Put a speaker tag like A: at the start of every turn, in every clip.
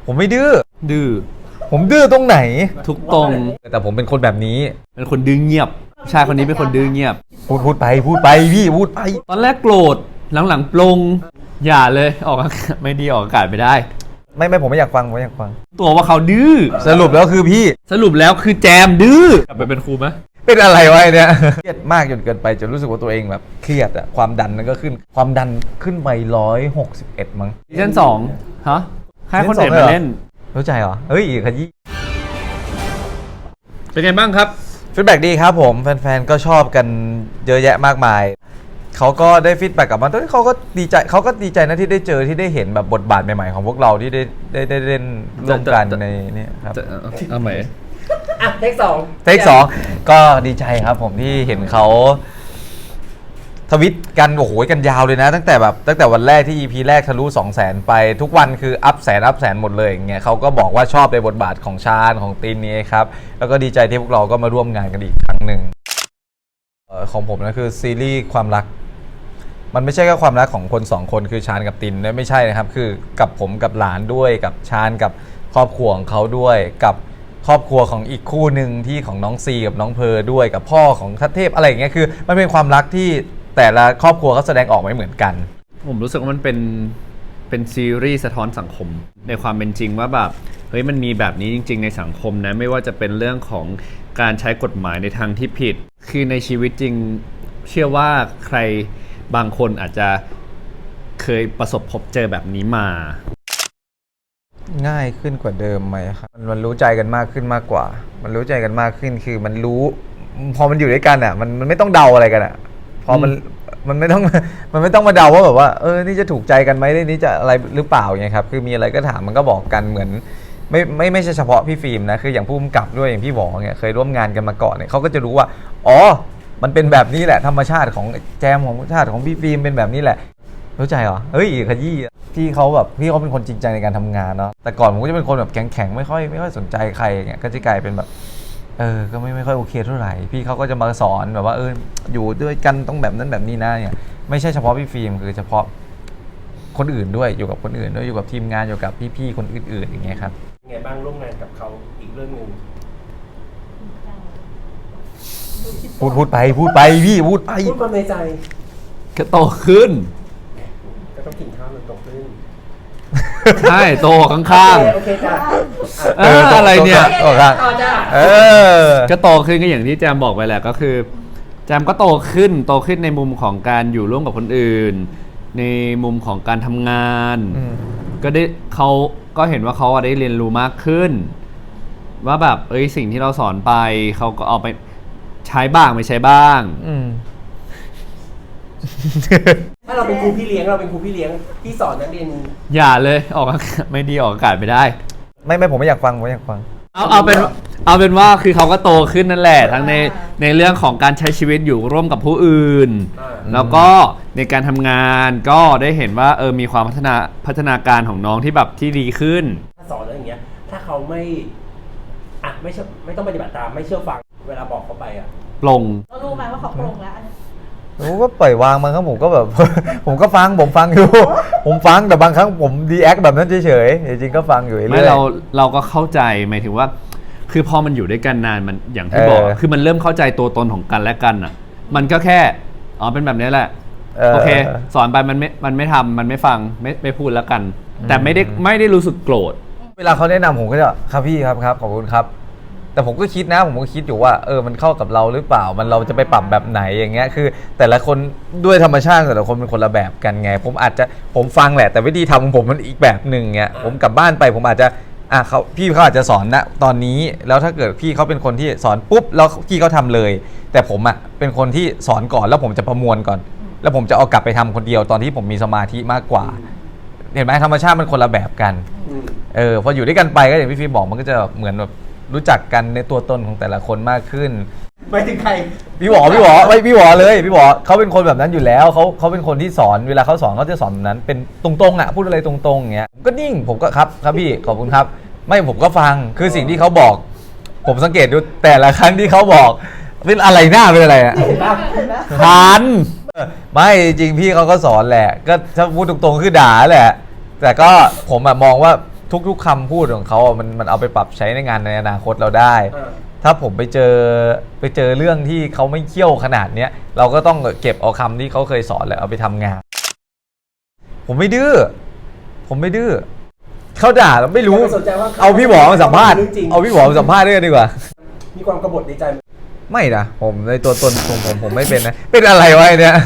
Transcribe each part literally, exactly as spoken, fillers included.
A: ผมไม่ดื้อ
B: ดื้อ
A: ผมดื้อตรงไหน
B: ทุกตรง
A: แต่ผมเป็นคนแบบนี้
B: เป็นคนดื้อเงียบชายคนนี้เป็นคนดื้อเงียบ
A: พูดพูดไปพูดไปพี่พูดไป
B: ตอนแรกโกรธหลังๆปลงอย่าเลยออกไม่ดีออกอากาศไม่ได้
A: ไม่ไม่ผมไม่อยากฟังผมไม่อยากฟัง
B: ตัวว่าเขาดื้อ
A: สรุปแล้วคือพี่
B: สรุปแล้วคือแจมดื้อกลับไปเป็นครูไหม
A: เป็นอะไรวะเนี่ยเครียดมากจนเกินไปจนรู้สึกว่าตัวเองแบบเครียดอะความดันนั่นก็ขึ้นความดันขึ้นไปร้อยหกสิบเอ็ดมั้ง
B: ซีซั่นสองฮะให้คนเด็ดมาเล่น
A: รู้ใจเหรอเฮ้ยขยี้
B: เป็นไงบ้างครับ
A: ฟีดแบ็กดีครับผมแฟนๆก็ชอบกันเยอะแยะมากมายเขาก็ได้ฟีดแบ็กกลับมาตอนนี้เขาก็ดีใจเขาก็ดีใจนะที่ได้เจอที่ได้เห็นแบบบทบาทใหม่ๆของพวกเราที่ได้ได้ได้เล่นร่วมกันในนี่ครับ
B: เอาใหม่
C: อ่ะเทคสอง
A: เทคสองก็ดีใจครับผมที่เห็นเขาทวิตกันโอ้โหกันยาวเลยนะตั้งแต่แบบตั้งแต่วันแรกที่ อี พี แรกทะลุ สองแสน ไปทุกวันคืออัพแสนอัพแสนหมดเลยอย่างเงี้ยเขาก็บอกว่าชอบในบทบาทของชาญของตีนนี้ครับแล้วก็ดีใจที่พวกเราก็มาร่วมงานกันอีกครั้งหนึ่งของผมนะคือซีรีส์ความรักมันไม่ใช่แค่ความรักของคนสองคนคือชาญกับตินนะไม่ใช่นะครับคือกับผมกับหลานด้วยกับชาญกับครอบครัวของเขาด้วยกับครอบครัวของอีกคู่หนึ่งที่ของน้องซีกับน้องเพอด้วยกับพ่อของทัตเทพอะไรอย่างเงี้ยคือมันเป็นความรักที่แต่ละครอบครัวเขาแสดงออกไม่เหมือนกัน
B: ผมรู้สึกว่ามันเป็นเป็นซีรีส์สะท้อนสังคมในความเป็นจริงว่าแบบเฮ้ยมันมีแบบนี้จริงๆในสังคมนะไม่ว่าจะเป็นเรื่องของการใช้กฎหมายในทางที่ผิดคือในชีวิตจริงเชื่อว่าใครบางคนอาจจะเคยประสบพบเจอแบบนี้มา
A: ง่ายขึ้นกว่าเดิมไหมครับมันรู้ใจกันมากขึ้นมากกว่ามันรู้ใจกันมากขึ้นคือมันรู้พอมันอยู่ด้วยกันอ่ะมันมันไม่ต้องเดาอะไรกันอ่ะพอมันมันไม่ต้องมันไม่ต้องมาเดาว่าแบบว่าเออนี่จะถูกใจกันไหมนี่จะอะไรหรือเปล่าไงครับคือมีอะไรก็ถามมันก็บอกกันเหมือนไม่ไม่ไม่ใช่เฉพาะพี่ฟิล์มนะคืออย่างผู้กำกับด้วยอย่างพี่หวอเนี่ยเคยร่วมงานกันมาก่อนเนี่ยเขาก็จะรู้ว่าอ๋อมันเป็นแบบนี้แหละธรรมชาติของแจมของชาติของพี่ฟิล์มเป็นแบบนี้แหละรู้ใจเหรอเฮ้ยขยี้พี่เขาแบบพี่เขาเป็นคนจริงใจในการทำงานเนาะแต่ก่อนผมก็จะเป็นคนแบบแข็งๆไม่ค่อยไม่ค่อยสนใจใครอย่างเงี้ยก็จะกลายเป็นแบบเออก็ไม่ไม่ค่อยโอเคเท่าไหร่พี่เขาก็จะมาสอนแบบว่าเอออยู่ด้วยกันต้องแบบนั้นแบบนี้นะเนี่ยไม่ใช่เฉพาะพี่ฟิล์มคือเฉพาะคนอื่นด้วยอยู่กับคนอื่นด้วยอยู่กับทีมงานอยู่กับพี่ๆคนอื่นๆอย่างเงี้ยครับ
C: ยังไงบ้างร่วมงานกับเขาอีกเรื่องนึง
A: พูดพูดไปพูดไปพี่พูดไป
C: พูดความในใจ
B: ก็โตขึ้น
C: ก็ต้องกินข้าวมันโตขึ้น
B: ใช่โตข้างๆ
C: โอเคจ้ะ
B: เอออะไรเนี่ย
A: โตข้างเออ
B: ก็โตขึ้นก็อย่างที่แจมบอกไปแหละก็คือแจมก็โตขึ้นโตขึ้นในมุมของการอยู่ร่วมกับคนอื่นในมุมของการทำงานก็ได้เขาก็เห็นว่าเขาได้เรียนรู้มากขึ้นว่าแบบเอ้ยสิ่งที่เราสอนไปเขาก็เอาไปใช้บ้างไม่ใช้บ้าง
C: ถ้าเราเป็นครูพี่เลี้ยงเราเป็นครูพี่เลี้ยงที่สอนนักเรียน
B: อย่าเลยออกไม่ดีออกอากาศไม่ได้
A: ไม่ไม่ผมไม่อยากฟังผมไม่อยากฟัง
B: เอาเอาเป็นเอาเป็นว่าคือเขาก็โตขึ้นนั่นแหละทั้งในในเรื่องของการใช้ชีวิตอยู่ร่วมกับผู้อื่นแล้วก็ในการทำงานก็ได้เห็นว่าเออมีความพัฒนาพัฒนาการของน้องที่แบบที่ดีขึ้น
C: ถ้าสอนแล้วอย่างเงี้ยถ้าเขาไม่อ่ะไม่เชื่อไม่ต้องปฏิบัติตามไม่เชื่อฟังเวลาบอกเขาไปอ่ะ
B: ปลง
D: เรารู้ไหมว่าเขาปลงแล้ว
A: ผมก็ปล่อยวางมันครับผมก็แบบ ผมก็ฟังผมฟังอยู่ ผมฟังแต่บางครั้งผมดีแอคแบบนั้นเฉยๆจริงๆก็ฟังอยู่เรื่อย
B: ไม่เราเราก็เข้าใจหมายถึงว่าคือพอมันอยู่ด้วยกันนานมันอย่างที่บอกคือมันเริ่มเข้าใจตัวตนของกันและกันอ่ะมันก็แค่อ๋อเป็นแบบนี้แหละโอเคสอนไปมันไม่มันไม่ทำมันไม่ฟังไม่ไม่พูดแล้วกันแต่ไม่ได้ไม่ได้รู้สึกโกรธ
A: เวลาเขาแนะนำผมก็จะครับพี่ครับครับขอบคุณครับแต่ผมก็คิดนะผมก็คิดอยู่ว่าเออมันเข้ากับเราหรือเปล่ามันเราจะไปปรับแบบไหนอย่างเงี้ยคือแต่ละคนด้วยธรรมชาติแต่ละคนเป็นคนละแบบกันไงผมอาจจะผมฟังแหละแต่วิธีทำของผมมันอีกแบบหนึ่งเงี้ยผมกลับบ้านไปผมอาจจะอ่ะเขาพี่เขาอาจจะสอนนะตอนนี้แล้วถ้าเกิดพี่เขาเป็นคนที่สอนปุ๊บแล้วพี่เขาทำเลยแต่ผมอ่ะเป็นคนที่สอนก่อนแล้วผมจะประมวลก่อนแล้วผมจะเอากลับไปทำคนเดียวตอนที่ผมมีสมาธิมากกว่าเห็นไหมธรรมชาติมันคนละแบบกันเออพออยู่ด้วยกันไปก็อย่างพี่ฟิล์มบอกมันก็จะเหมือนแบบรู้จักกันในตัวตนของแต่ละคนมากขึ้น
C: ไปถึงใคร
A: พี่หวอพี่หวอไม่พี่หวอเลยพี่หวอเขาเป็นคนแบบนั้นอยู่แล้วเขาเขาเป็นคนที่สอนเวลาเขาสอนเขาจะสอนแบบนั้นเป็นตรงๆอ่ะพูดอะไรตรงๆอย่างเงี้ยผมก็นิ่งผมก็ครับครับพี่ขอบคุณครับไม่ผมก็ฟังคือสิ่งที่เขาบอกผมสังเกตดูแต่ละครั้งที่เขาบอกเป็นอะไรหน้าเป็นอะไรอ่ะ
B: ทัน
A: ไม่จริงพี่เขาก็สอนแหละก็ถ้าพูดตรงๆคือด่าแหละแต่ก็ผมอะมองว่าทุกๆคำพูดของเขาอะมันมันเอาไปปรับใช้ในงานในอนาคตเราได้
C: อ่า
A: ถ้าผมไปเจอไปเจอเรื่องที่เขาไม่เขี้ยวขนาดเนี้ยเราก็ต้องเก็บเอาคำที่เขาเคยสอนแล้วเอาไปทำงาน ผมไม่ดื้อผมไม่ดื้อเขาด่าเราไม่รู้
C: ไม่สนใจว่า
A: เอาพี่หมอมาสัมภาษณ์
C: เรื่องจริง
A: เอาพี่หมอมาสัมภาษณ์ด้วยกันดีกว่า
C: มีความกบฏในใจไหม
A: ไม่นะผมในตัวตนของผมผมไม่เป็นนะเป็นอะไรวะไอ้เนี่ย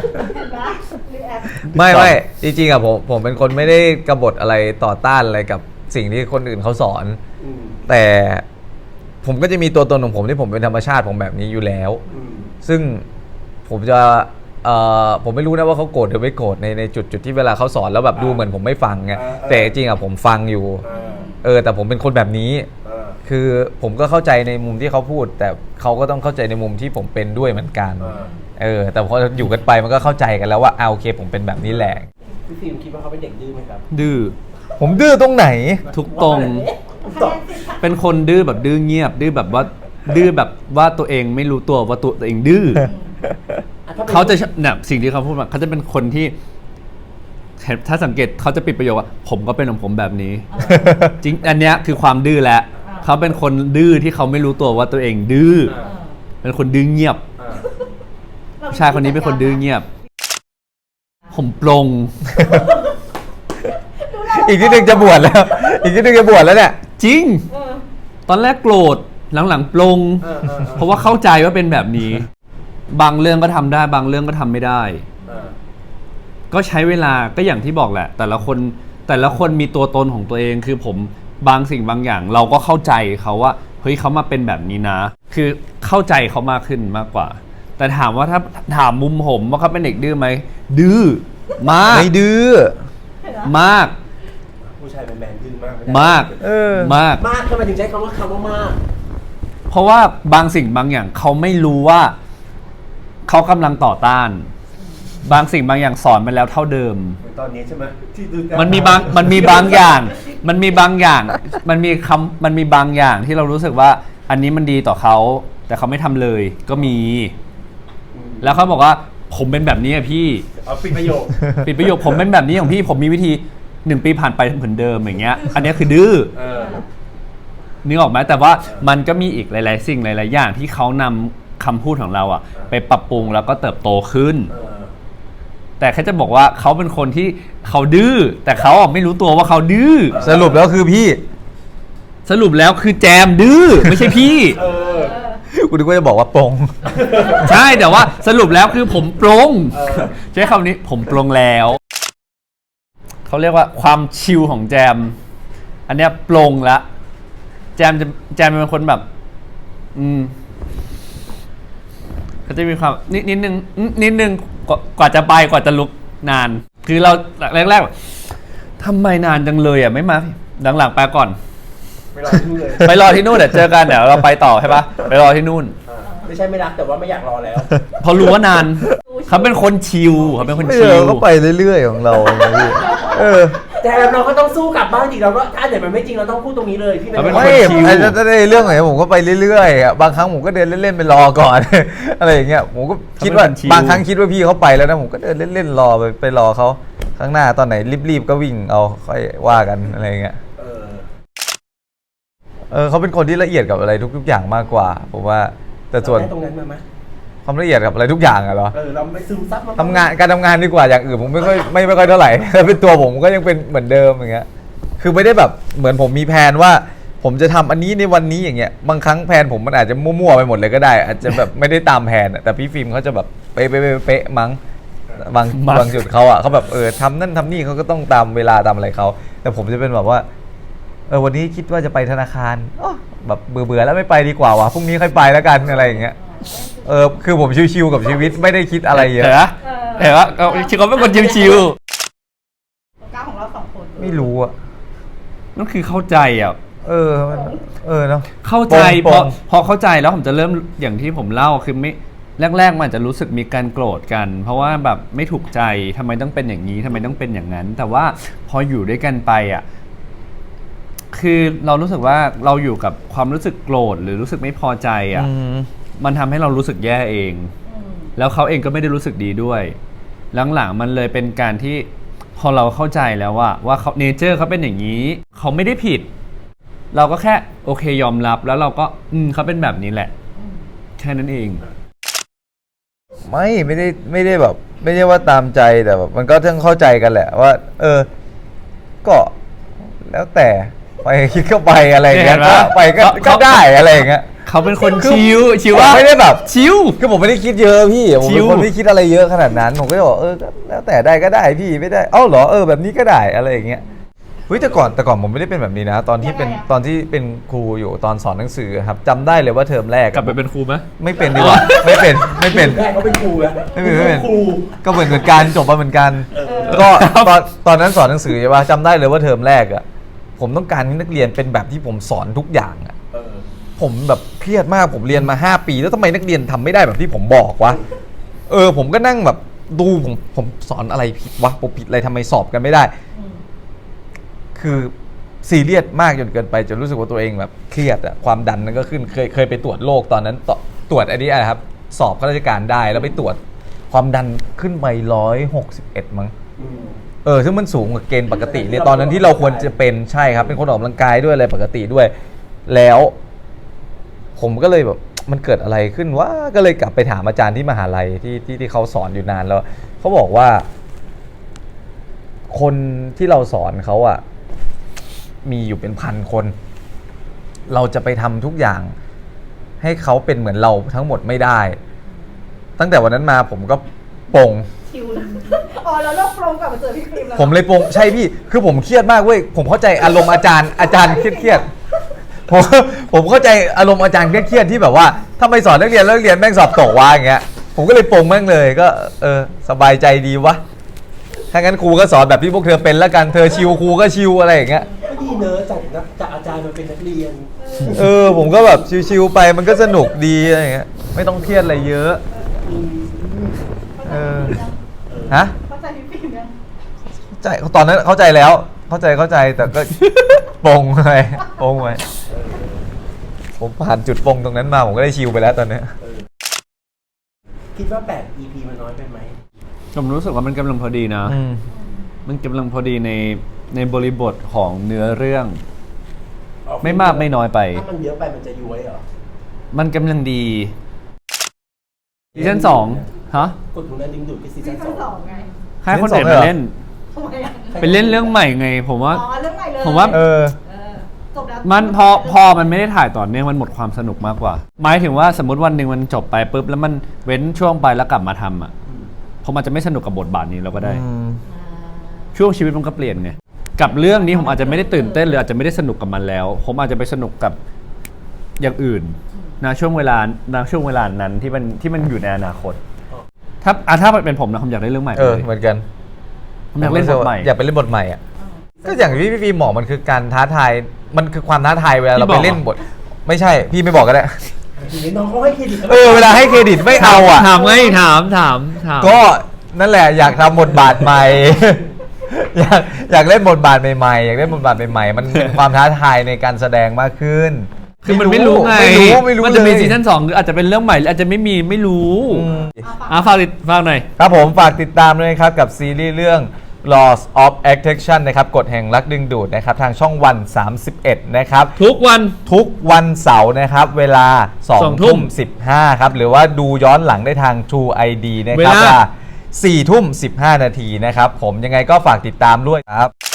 A: ไม่ไม่จริงๆอะผมผมเป็นคนไม่ได้กบฏอะไรต่อต้านอะไรกับสิ่งที่คนอื่นเขาสอน
C: อืม
A: แต่ผมก็จะมีตัวตนของผมที่ผมเป็นธรรมชาติผมแบบนี้อยู่แล้ว
C: อืม
A: ซึ่งผมจะเอ่อผมไม่รู้นะว่าเขาโกรธหรือไม่โกรธในในจุดจุดที่เวลาเขาสอนแล้วแบบดูเหมือนผมไม่ฟังไง
C: อ่าอ่า
A: แต่จริงๆอะผมฟังอยู่
C: อ่า
A: เออแต่ผมเป็นคนแบบนี้
C: อ่า
A: คือผมก็เข้าใจในมุมที่เขาพูด แต่เขาก็ต้องเข้าใจในมุมที่ผมเป็นด้วยเหมือนกัน
C: อ่า
A: เออแต่พออยู่กันไปมันก็เข้าใจกันแล้วว่าอ่าโอเคผมเป็นแบบนี้แหละ
C: พี่ฟิล์มคิดว่าเขาเป็นเด็กดื้อไหมครับ
B: ดื้อ
A: ผมดื้อตรงไหน
B: ทุกตรง
C: ตอบ
B: เป็นคนดื้อแบบดื้อเงียบ ดื้อแบบว่าดื้อแบบว่าตัวเองไม่รู้ตัวว่าตัวเองดื้อ
C: อ่ะถ้ป็น
B: เขาจะเนี่ยสิ่งที่เขาพูดมาเขาจะเป็นคนที่ถ้าสังเกตเขาจะปิดประโยคว่าผมก็เป็นของผมแบบนี้ จริงอันเนี้ยคือความดื้อแหละเขาเป็นคนดื้อที่เขาไม่รู้ตัวว่าตัวเองดื้อ
C: อ่า
B: เป็นคนดื้อเงียบ
C: อ่า
B: ผู้ชายคนนี้เป็นคนดื้อเงียบ ผมปลง
A: อีกนิดนึงจะบวชแล้ว อีกนิดนึงจะบวชแล้วเนี่ย
B: จริง ตอนแรกโกรธหลังๆปลง
C: อ่าอ่าอ่า
B: เพราะว่าเข้าใจว่าเป็นแบบนี้ บางเรื่องก็ทำได้ บางเรื่องก็ทำไม่ได้
C: อ่า
B: ก็ใช้เวลาก็อย่างที่บอกแหละ แต่ละคนแต่ละคนมีตัวตนของตัวเองคือผมบางสิ่งบางอย่าง เราก็เข้าใจเขาว่าเฮ้ยเขามาเป็นแบบนี้นะ คือเข้าใจเขามากขึ้นมากกว่า แต่ถามว่าถ้าถามมุมผมว่าเขาเป็นเด็กดื้อไหมดื้อมาก
A: ไม่ดื้อ
B: มาก
C: ผู้ชายแมนๆดื้อมากไได้
B: มาก
A: เออ
B: มาก
C: มากทำไมถึงใช้คำว่าคำว่ามาก
B: เพราะว่าบางสิ่งบางอย่างเขาไม่รู้ว่าเขากำลังต่อต้าน บางสิ่งบางอย่างสอนมาแล้วเท่าเดิม
C: เหมือนตอนนี้ใช่ไหมที่ดู
B: มันมีบางมันมีบางอย่าง มันมีบางอย่าง มันมีคำมันมีบางอย่างที่เรารู้สึกว่า อันนี้มันดีต่อเขา แต่เขาไม่ทำเลย ก็มี
C: อืม
B: แล้วเขาบอกว่าผมเป็นแบบนี้อะพี่
C: เอาปิดประโยค
B: ปิดประโยคผมเป็นแบบนี้ของพี่ผมมีวิธีหนึ่งปีผ่านไปเหมือนเดิมอย่างเงี้ย อันเนี้ยคือดื้อ
C: เออ
B: นึกออกไหมแต่ว่ามันก็มีอีกหลาย ๆ สิ่งหลาย ๆ อย่างที่เขานำคำพูดของเราอะไปปรับปรุงแล้วก็เติบโตขึ้น
C: เออ
B: แต่แค่จะบอกว่าเขาเป็นคนที่เขาดื้อแต่เขาอะไม่รู้ตัวว่าเขาดื้อ
A: สรุปแล้วคือพี่
B: สรุปแล้วคือแจมดื้อไม่ใช่พี่
C: เออ
A: กูนึกว่าจะบอกว่าปรง
B: ใช่แต่ว่าสรุปแล้วคือผมปรง
C: เออ
B: ใช้คำนี้ผมปรงแล้วเขาเรียกว่าความชิลของแจม อันเนี้ยปรงละแจมจะแจมเป็นคนแบบ อืมเขาจะมีความนิดนิดนึงนิดนึงกว่ากว่าจะไปกว่าจะลุกนาน คือเราแรกๆแบบทำไมนานจังเลยอ่ะไม่มาหลังๆไปก่อน
C: ไม่รอที่นู่นเลย
B: ไปรอที่นู่นเดี๋ยวเจอกันเดี๋ยวเราไปต่อใช่ปะไปรอที่นู่น
C: อ่าไม่ใช่ไม่รักแต่ว่าไม่อยากรอแล้ว
B: เพราะรู้ว่านาน เขาเป็นคนชิลเขาเป็นคน
A: ไม่
B: ชิ
A: เอ
B: ล
A: อก็ไปเรื่อยๆของเรานะพี่เออ
C: แต่เราก็ต้องสู้กลับบ้านจริงเราก็ถ้าเดี๋ยวมันไม่จริงเราต้องพูดตรงนี้เลยพี่
B: เขาเป็น
C: ไม่
B: คน
A: ไม่
B: ชิล
A: ไอ้ถ้าได้เรื่องไหนผมก็ไปเรื่อยๆอะบางครั้งผมก็เดินเล่นๆไปรอก่อน อะไรอย่างเงี้ยผมก็คิดว่าบางครั้งคิดว่าพี่เขาไปแล้วนะผมก็เดินเล่นๆรอไปไปรอเขาข้างหน้าตอนไหนรีบๆก็วิ่งเอาค่อยว่ากันอะไรอย่างเงี้ย
C: เออ
A: เออเขาเป็นคนที่ละเอียดกับอะไรทุกๆอย่างมากกว่าผมว่าแต่ส่วน
C: เราได้ตรงนั้นมาไหม
A: ความละเอียดกับอะไรทุกอย่างอะเหรอ
C: เออเราไม่ซึมซับมัน
A: ทำงานการทำงานดีกว่าอย่างอื่นผมไม่ค่อยไม่ไม่ค่อยเท่าไหร่ ถ้าเป็นตัวผมก็ยังเป็นเหมือนเดิมอย่างเงี้ยคือไม่ได้แบบเหมือนผมมีแผนว่า ผมจะทำอันนี้ในวันนี้อย่างเงี้ยบางครั้งแผนผมมันอาจจะมั่วๆไปหมดเลยก็ได้ อาจจะแบบไม่ได้ตามแผนอะแต่พี่ฟิล์มเขาจะแบบเป๊ะเป๊ะเป๊ะเป๊ะมั้งบาง
B: มั้ง
A: บางจุดเขาอ่ะเขาแบบเออทำนั่นทำนี่เขาก็ต้องตามเวลาตามอะไรเขาแต่ผมจะเป็นแบบว่าเออวันนี้คิดว่าจะไปธนาคารอ้อแบบเบื่อเบื่อๆแล้วไม่ไปดีกว่าวะพรุ่งนี้ค่อยไปแล้วกันอะไรอย่างเงี้ยเออคือผมชิวๆกับชีวิตไม่ได้คิดอะไรเยอะ
B: เห็นปะเห็นปะเขาเขาเป็นคนชิล
D: ก้าวของเราสองคน
A: ไม่รู้อ่ะ
B: ๆนั่นคือเข้าใจอ่ะ
A: เออมันเออเนาะ
B: เข้าใจ
A: ป
B: พ
A: ม
B: อ
A: ปม
B: พอเข้าใจแล้วผมจะเริ่มอย่างที่ผมเล่าคือไม่แรกๆมันอาจจะรู้สึกมีการโกรธกัน เพราะว่าแบบไม่ถูกใจทำไมต้องเป็นอย่างนี้ทำไมต้องเป็นอย่างนั้น แต่ว่าพออยู่ด้วยกันไปอ่ะคือเรารู้สึกว่าเราอยู่กับความรู้สึกโกรธหรือรู้สึกไม่พอใจอ่ะ
A: อืม
B: มันทำให้เรารู้สึกแย่เอง แล้วเขาเองก็ไม่ได้รู้สึกดีด้วย หลังๆมันเลยเป็นการที่พพอเราเข้าใจแล้วว่าว่าเขาเนเจอร์เขาเป็นอย่างนี้ เขาไม่ได้ผิด เราก็แค่โอเคยอมรับแล้วเราก็อืมเขาเป็นแบบนี้แหละ แค่นั้นเอง
A: ไม่ไม่ได้ไม่ได้แบบ ไม่ได้ว่าตามใจแต่แบบมันก็ต้องเข้าใจกันแหละว่า เออ ก็แล้วแต่ไปคิดเข้าไปอะไรอย่างเงี้ย
B: เห็นปะ
A: ก็ไปก็
B: เขา
A: ก็ได้อะไรอย่างเงี้ย
B: เขาเป็นคน
A: คือ
B: ชิวชิว
A: ผม
B: ว่า
A: ไม่ได้แบบ
B: ชิว
A: คือผมไม่ได้คิดเยอะพี่ผม
B: ชิ
A: เป็น
B: ว
A: คนไม่คิดอะไรเยอะขนาดนั้นผมก็จะบอกเออก็แล้วแต่ได้ก็ได้พี่ไม่ได้เอ้าเหรอเออแบบนี้ก็ได้อะไรอย่างเงี้ยเฮ้ยแต่ก่อนแต่ก่อนผมไม่ได้เป็นแบบนี้นะ ตอนที่เป็น
D: ยังไงอะ
A: ตอนที่เป็นครูอยู่ตอนสอนหนังสือครับจำได้เลยว่าเทอมแรก
B: กลับไปเป็นครูไหม
A: ไม่เป็นดีกว่าไม่เป็นไม่เป็น
C: แม่เขาเป็นครูนะ
A: ไม่เป็นไม่เป็น
C: ครู
A: ก็เหมือนเหมือนกันจบมาเหมือนกัน ก็ตอนตอนนั้นสอนหนังสือใช่ป่ะจำได้เลยว่าเทอมแรกอ่ะผมต้องการให้นักเรียนเป็นแบบที่ผมสอนทุกอย่างอ่ะ
C: เออ
A: ผมแบบเครียดมากผมเรียนมาห้าปี แล้วทำไมนักเรียนทำไม่ได้แบบที่ผมบอกวะเออ ผมก็นั่งแบบดูผมผมสอนอะไรผิดวะผมผิดอะไรทำไมสอบกันไม่ได้ คือซีเรียสมากจนเกินไปจนรู้สึกว่าตัวเองแบบเครียดอะความดันนั้นก็ขึ้นเคยเคยไปตรวจโรคตอนนั้นตตรวจอันนี้อะไรครับ สอบข้าราชการได้แล้วไปตรวจความดันขึ้นไปร้อยหกสิบเอ็ดมั้ง
C: อืม
A: เออซึ่งมันสูงกว่าเกณฑ์ปกติเลยตอนนั้นที่เราควรจะเป็นใช่ครับ เป็นคนออกกำลังกายด้วยอะไรปกติด้วย แล้ว ผมก็เลยแบบมันเกิดอะไรขึ้นว่าก็เลยกลับไปถามอาจารย์ที่มหาลัยที่ที่ที่เขาสอนอยู่นานแล้วเขาบอกว่า คนที่เราสอนเขาอะมีอยู่เป็นพันคน เราจะไปทำทุกอย่าง ให้เขาเป็นเหมือนเราทั้งหมดไม่ได้ ตั้งแต่วันนั้นมาผมก็ปลง
D: ชิวเลยอ๋อแล้วเราปรงกลับมาเจอพี่ครีมแล้ว
A: ผมเลยปลงใช่พี่ คือผมเครียดมากเว้ย ผมเข้าใจอารมณ์อาจารย์ อาจารย์เครียดๆผม ผมเข้าใจอารมณ์อาจารย์เครียดๆที่แบบว่าถ้าไม่สอนนักเรียนแล้วนักเรียนแม่งสอบตกวะอย่างเงี้ย ผมก็เลยปลงแม่งเลยก็เออสบายใจดีวะ ถ้างั้นครูก็สอนแบบที่พวกเธอเป็นแล้วกัน เธอชิวครูก็ชิวอะไรอย่างเงี้ย
C: ก็ดีเนอะจากนักจากอาจารย์มาเป็นนักเรียน
A: เออผมก็แบบชิวๆไปมันก็สนุกดีอะไรอย่างเงี้ย ไม่ต้องเครียดอะไรเยอะ เออ ฮะ
D: เข้าใจพี่ครีมยัง
A: เข้าใจตอนนั้นเข้าใจแล้ว เข้าใจเข้าใจแต่ก็ ปลงไปปลงไปผมผ่านจุดปลงตรงนั้นมาผมก็ได้ชิลไปแล้วตอนเนี้ย
C: คิดว่าแปด อี พี มันน้อยไปไหม
B: ผมรู้สึกว่ามันกำลังพอดีนะ
A: อืม
B: มันกำลังพอดีในในบริบทของเนื้อเรื่อง
C: ออ
B: ไม่มากไม่น้อยไป
C: ถ้ามันเยอะไปมันจะย้วยเหรอ
B: มันกำลังดีซีซั่นสองฮะ
C: กดถุงนั้นดึงดูดไปซี
D: ซี
C: ซั่นส
D: ซั่
C: อน ง
D: สองไง
B: ให้คนอื่นมาเล่น
D: ทำไมอะ
B: เป็นเล่นเรื่องใหม่ไง ผมว่า
D: อ๋อเรื่องใหม่เลย
B: ผมว่า
A: เออ
D: เออจบแล้ว
B: มันพอพอมันไม่ได้ถ่ายต่อเนื่องมันหมดความสนุกมากกว่า หมายถึงว่าสมมติวันหนึ่งมันจบไปปุ๊บแล้วมันเว้นช่วงไปแล้วกลับมาทำอ่ะผมอาจจะไม่สนุกกับบทบาทนี้เราก็ได้
A: อืม
B: ช่วงชีวิตมันก็เปลี่ยนไงกับเรื่องนี้ผมอาจจะไม่ได้ตื่นเต้นหรืออาจจะไม่ได้สนุกกับมันแล้ว ผมอาจจะไปสนุกกับอย่างอื่นนะช่วงเวลาณช่วงเวลานั้นที่มันที่มันอยู่ในอนาคต ถ้าอ่ะถ้าเป็นผมนะผมอยากได้เรื่องใหม่
A: เออ
B: เลย
A: เหมือนกัน
B: ผมอยากเล่นบทใหม่
A: อยากไปเล่นบทใหม่อ่ะก็อย่างที่พี่ฟีบอกมันคือการท้าทายมันคือความท้าทายเวลาเราไปเล่นบท ไม่ใช่พี่ไม่บอกก็ได้
C: ทีนี้น้องเขาให้เครดิต
A: เออเวลาให้เครดิตไม่เอาอ่ะ
B: ถามไงถามถามถาม
A: ก็นั่นแหละอยากทำบทบาทใหม่ อยากอยากเล่นบทบาทใหม่ๆอยากเล่นบทบาทใหม่ๆมันเป็นความท้าทายในการแสดงมากขึ้น
B: คือมันไม่รู้ไง
A: ไม่รู้ไม่รู้
B: มันจะมี
A: เลย
B: ซีซั่นสองหรืออาจจะเป็นเรื่องใหม่หรืออาจจะไม่มีไม่รู้
A: อืม
B: อ่ะฝากติดฝากหน่อย
A: ครับผมฝากติดตามด้วยนะครับกับซีรีส์เรื่อง Laws of Attraction นะครับกฎแห่งรักดึงดูดนะครับทางช่องวันสามสิบเอ็ดนะครับ
B: ทุกวัน
A: ทุกวันเสาร์นะครับเวลาสอง
B: สองทุ่
A: ทุ่
B: ม
A: มสิบห้าครับหรือว่าดูย้อนหลังได้ทาง True ไอ ดี นะครับ
B: เวลา
A: ว่าสี่ทุ่มสิบห้านาทีนะครับผมยังไงก็ฝากติดตามด้วยครับ